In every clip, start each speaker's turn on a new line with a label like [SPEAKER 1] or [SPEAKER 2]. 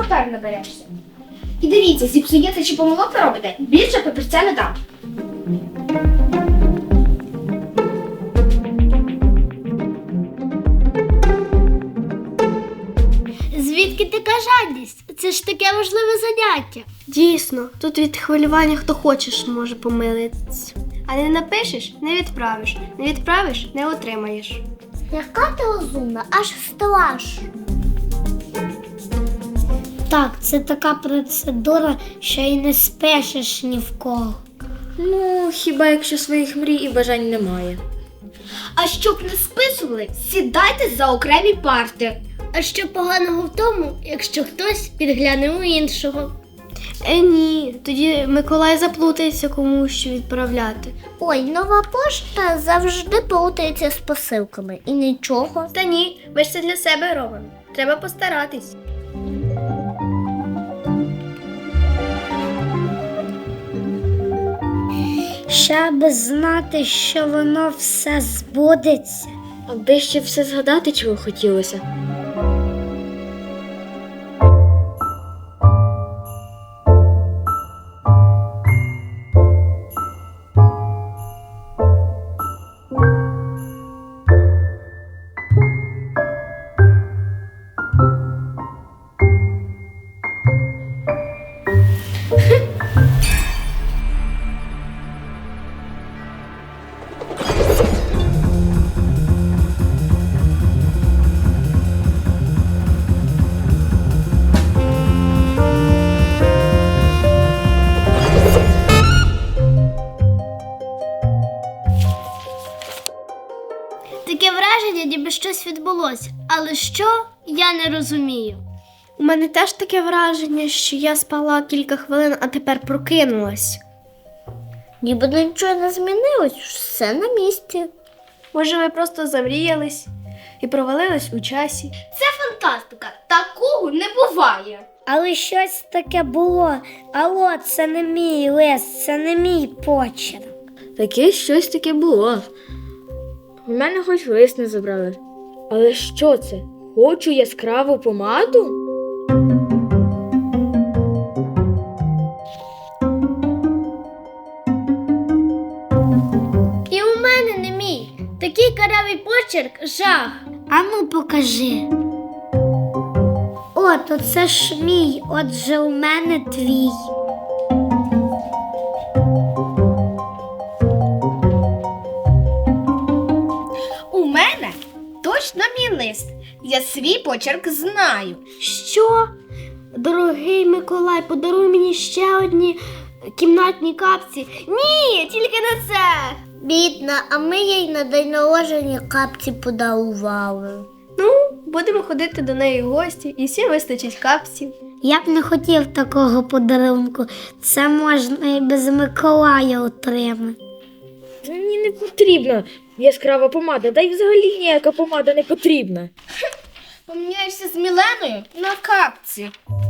[SPEAKER 1] папер наберешся. І дивіться, зіпсуєте чи помилок робите, більше папірця не дам.
[SPEAKER 2] Звідки така жадність? Це ж таке важливе заняття.
[SPEAKER 3] Дійсно, тут від хвилювання хто хочеш може помилитися. А не напишеш – не відправиш. Не відправиш – не отримаєш.
[SPEAKER 2] Яка ти розумна, аж страшно. Так, це така процедура, що й не спешиш ні в кого.
[SPEAKER 4] Ну, хіба якщо своїх мрій і бажань немає.
[SPEAKER 1] А щоб не списували, сідайте за окремі парти.
[SPEAKER 2] А що поганого в тому, якщо хтось підгляне у іншого?
[SPEAKER 3] Ні, тоді Миколай заплутається, кому що відправляти.
[SPEAKER 2] Ой, нова пошта завжди плутається з посилками. І нічого.
[SPEAKER 3] Та ні, ми ж це для себе робимо. Треба постаратись.
[SPEAKER 2] Щоб знати, що воно все збудеться.
[SPEAKER 4] Аби ще все згадати, чого хотілося.
[SPEAKER 2] Таке враження, ніби щось відбулося. Але що, я не розумію.
[SPEAKER 3] У мене теж таке враження, що я спала кілька хвилин, а тепер прокинулась.
[SPEAKER 2] Ніби нічого не змінилось, все на місці.
[SPEAKER 3] Може, ми просто замріялись і провалились у часі.
[SPEAKER 1] Це фантастика, такого не буває.
[SPEAKER 2] Але щось таке було. Алло, це не мій лист, це не мій почерк.
[SPEAKER 4] Таке щось таке було. У мене хоч лист не забрали. Але що це? Хочу яскраву помаду?
[SPEAKER 2] І у мене не мій. Такий карявий почерк – жах. Ану, покажи. О, то це ж мій, отже у мене твій.
[SPEAKER 1] У мене точно мій лист. Я свій почерк знаю.
[SPEAKER 3] Що? Дорогий Миколай, подаруй мені ще одні кімнатні капці. Ні, тільки не це.
[SPEAKER 2] Бідна, а ми їй на день народження капці подарували.
[SPEAKER 3] Ну, будемо ходити до неї в гості, і всім вистачить капців.
[SPEAKER 2] Я б не хотів такого подарунку. Це можна і без Миколая отримати.
[SPEAKER 4] Мені не потрібна яскрава помада, та й взагалі ніяка помада не потрібна.
[SPEAKER 1] Поміняєшся з Міленою на капці.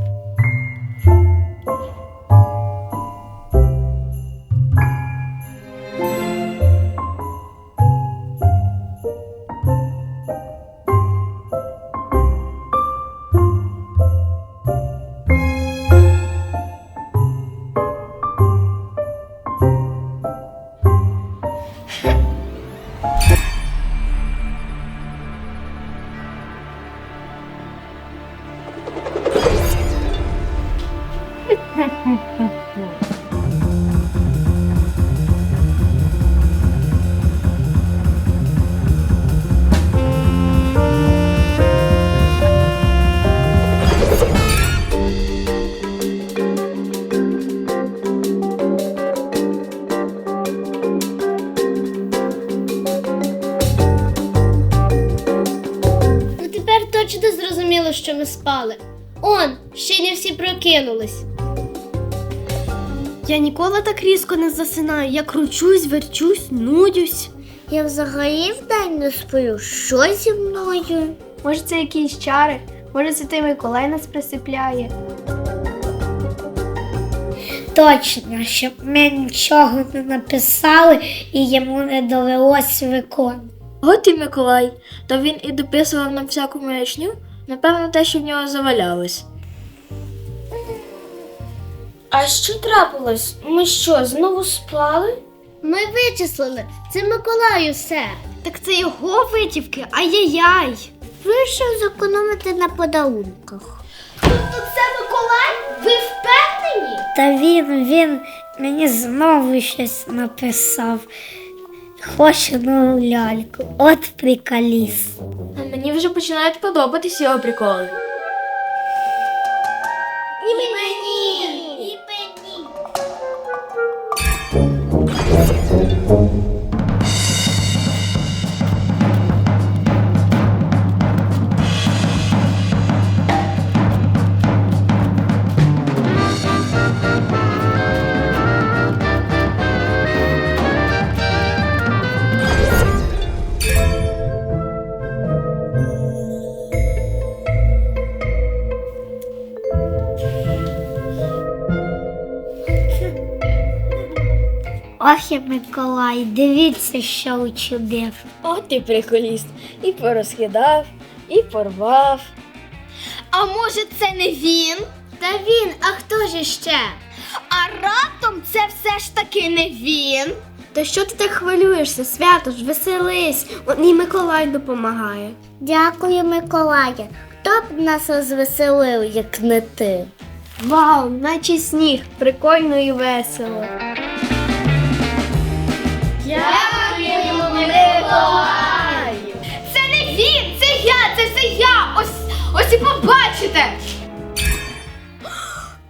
[SPEAKER 2] Ну тепер точно зрозуміло, що ми спали. Он, ще не всі прокинулись.
[SPEAKER 3] Я ніколи так різко не засинаю. Я кручусь, верчусь, нудюсь.
[SPEAKER 2] Я взагалі вдень не сплю. Що зі мною?
[SPEAKER 3] Може, це якісь чари, може, це той Миколай нас присипляє.
[SPEAKER 2] Точно, щоб ми нічого не написали і йому не довелось виконувати.
[SPEAKER 4] От і Миколай, то він і дописував нам всяку маячню, напевно, те, що в нього завалялось.
[SPEAKER 2] А що трапилось? Ми що, знову спали?
[SPEAKER 3] Ми вичислили. Це Миколаю все. Так це його витівки, ай-яй-яй. Вирішив зекономити на подарунках.
[SPEAKER 1] Тобто це Миколай? Ви впевнені?
[SPEAKER 2] Та він мені знову щось написав. Хоче нову ляльку. От приколіс.
[SPEAKER 4] А мені вже починають подобатись його приколи.
[SPEAKER 1] І мені.
[SPEAKER 2] Ох і Миколай, дивіться, що учудив.
[SPEAKER 4] От ти приколіст. І порозкидав, і порвав.
[SPEAKER 1] А може це не він?
[SPEAKER 3] Та він, а хто ж іще?
[SPEAKER 1] А раптом це все ж таки не він?
[SPEAKER 3] Та що ти так хвилюєшся, свято ж, веселись. І Миколай допомагає. Дякую, Миколає. Хто б нас розвеселив, як не ти? Вау, наче сніг, прикольно і весело.
[SPEAKER 1] Дякуємо, Миколаю! Це не він, це я, це все я! Ось і побачите!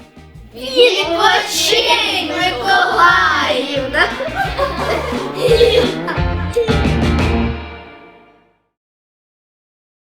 [SPEAKER 1] Відпочинь, Миколаївна!